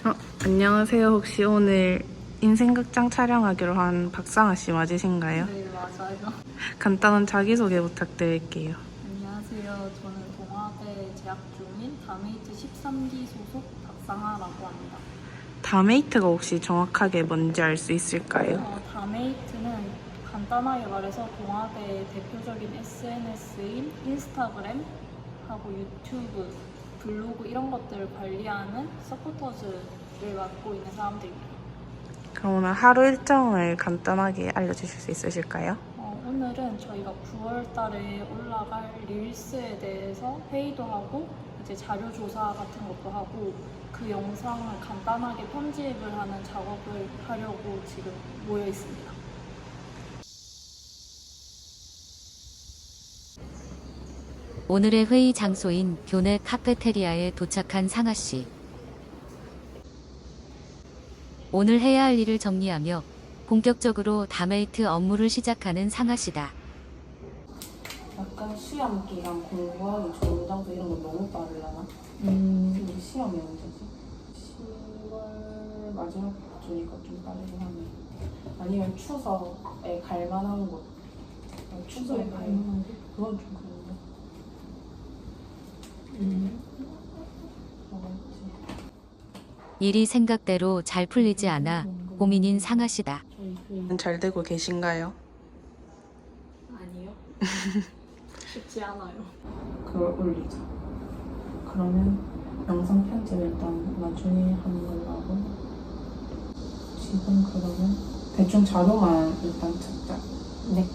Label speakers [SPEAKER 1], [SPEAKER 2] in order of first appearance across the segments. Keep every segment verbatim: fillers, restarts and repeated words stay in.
[SPEAKER 1] 어, 안녕하세요. 혹시 오늘 인생극장 촬영하기로 한 박상아 씨 맞으신가요?
[SPEAKER 2] 네, 맞아요.
[SPEAKER 1] 간단한 자기소개 부탁드릴게요.
[SPEAKER 2] 안녕하세요. 저는 동아대 재학 중인 다메이트 십삼 기 소속 박상아라고 합니다.
[SPEAKER 1] 다메이트가 혹시 정확하게 뭔지 알 수 있을까요?
[SPEAKER 2] 어, 다메이트는 간단하게 말해서 동아대의 대표적인 에스엔에스인 인스타그램하고 유튜브, 블로그 이런 것들을 관리하는 서포터즈를 맡고 있는 사람들입니다.
[SPEAKER 1] 그럼 오늘 하루 일정을 간단하게 알려주실 수 있으실까요?
[SPEAKER 2] 어, 오늘은 저희가 구월 달에 올라갈 릴스에 대해서 회의도 하고 이제 자료 조사 같은 것도 하고 그 영상을 간단하게 편집을 하는 작업을 하려고 지금 모여 있습니다.
[SPEAKER 3] 오늘의 회의 장소인 교내 카페테리아에 도착한 상아 씨. 오늘 해야 할 일을 정리하며 본격적으로 다메이트 업무를 시작하는 상아 씨다.
[SPEAKER 4] 약간 시험 기간 공부하기 좋은 장소 이런 건 너무 빠르려나?
[SPEAKER 2] 음,
[SPEAKER 4] 근데 시험이 언제지? 시월 마지막 주니까 좀 빠르긴 하네. 아니면 추석에 갈 만한 곳. 어, 추석에 갈 만한 곳? 그건 좀 그런데.
[SPEAKER 2] 음.
[SPEAKER 4] 뭐가 있지?
[SPEAKER 3] 일이 생각대로 잘 풀리지 않아 고민인 상아 씨다.
[SPEAKER 4] 저희 회의.
[SPEAKER 1] 잘 되고 계신가요?
[SPEAKER 2] 아니요. 쉽지 않아요.
[SPEAKER 4] 그걸 올리자. 그러면 영상 편집 일단 나중에 하는 걸로 하고 지금 그러면 대충 자료만 일단 찾자. 네.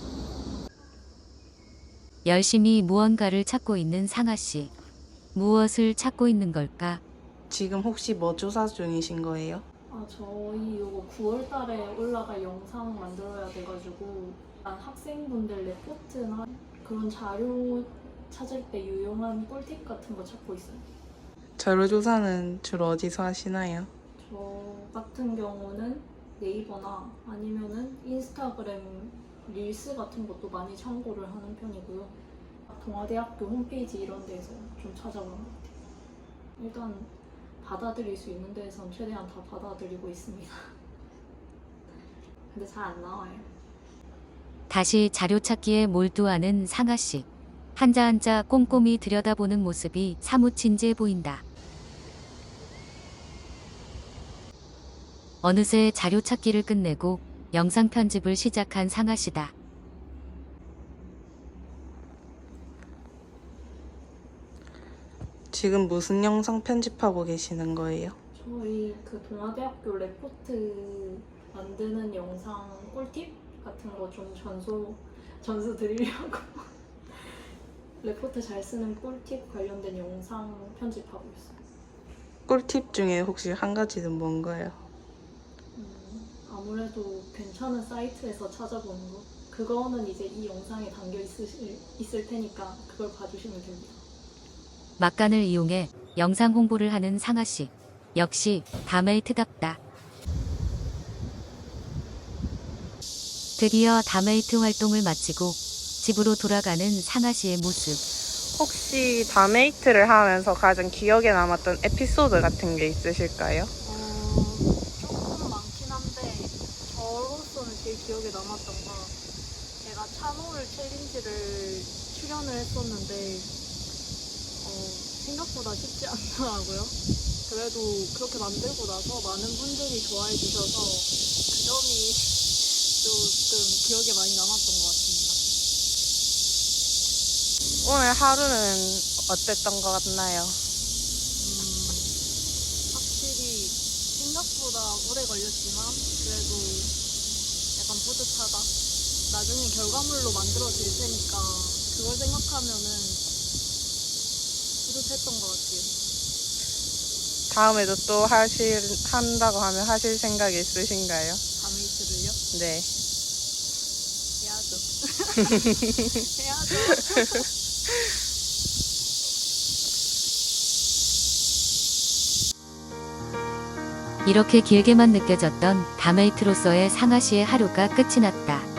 [SPEAKER 3] 열심히 무언가를 찾고 있는 상아 씨. 무엇을 찾고 있는 걸까?
[SPEAKER 1] 지금 혹시 뭐 조사 중이신 거예요?
[SPEAKER 2] 아, 저희 이거 구월 달에 올라갈 영상 만들어야 돼가지고 일단 학생분들 레포트나 그런 자료 찾을 때 유용한 꿀팁 같은 거 찾고 있어요.
[SPEAKER 1] 자료 조사는 주로 어디서 하시나요?
[SPEAKER 2] 저 같은 경우는 네이버나 아니면은 인스타그램 릴스 같은 것도 많이 참고를 하는 편이고요. 동아대학교 홈페이지 이런 데서 좀 찾아보는 것 같아요. 일단 받아들일 수 있는 데선 최대한 다 받아들이고 있습니다. 근데 잘 안 나와요.
[SPEAKER 3] 다시 자료 찾기에 몰두하는 상아 씨. 한자 한자 꼼꼼히 들여다보는 모습이 사뭇 진지해 보인다. 어느새 자료 찾기를 끝내고 영상 편집을 시작한 상아 씨다.
[SPEAKER 1] 지금 무슨 영상 편집하고 계시는 거예요?
[SPEAKER 2] 저희 그 동아대학교 레포트 만드는 영상 꿀팁 같은 거 좀 전수 전수 드리려고 레포트 잘 쓰는 꿀팁 관련된 영상 편집하고 있어요.
[SPEAKER 1] 꿀팁 중에 혹시 한 가지는 뭔가요?
[SPEAKER 2] 음, 아무래도 괜찮은 사이트에서 찾아보는 거 그거는 이제 이 영상에 담겨 있을, 있을 테니까 그걸 봐주시면 됩니다.
[SPEAKER 3] 막간을 이용해 영상 홍보를 하는 상아 씨. 역시 다메이트답다. 드디어 다메이트 활동을 마치고 집으로 돌아가는 상아 씨의 모습.
[SPEAKER 1] 혹시 다메이트를 하면서 가장 기억에 남았던 에피소드 같은 게 있으실까요?
[SPEAKER 2] 어, 조금 많긴 한데 저로서는 제일 기억에 남았던 건 제가 찬호를 챌린지를 출연을 했었는데 어, 생각보다 쉽지 않더라고요. 그래도 그렇게 만들고 나서 많은 분들이 좋아해 주셔서 그 점이 조금 기억에 많이 남았던 것 같습니다.
[SPEAKER 1] 오늘 하루는 어땠던 것 같나요?
[SPEAKER 2] 음, 확실히 생각보다 오래 걸렸지만 그래도 약간 뿌듯하다. 나중에 결과물로 만들어질 테니까 그걸 생각하면은 뿌듯했던 것 같아요.
[SPEAKER 1] 다음에도 또 하실, 한다고 하면 하실 생각이 있으신가요?
[SPEAKER 2] 다메이트를요?
[SPEAKER 1] 네.
[SPEAKER 2] 해야죠. 해야죠.
[SPEAKER 3] 이렇게 길게만 느껴졌던 다메이트로서의 상아 씨의 하루가 끝이 났다.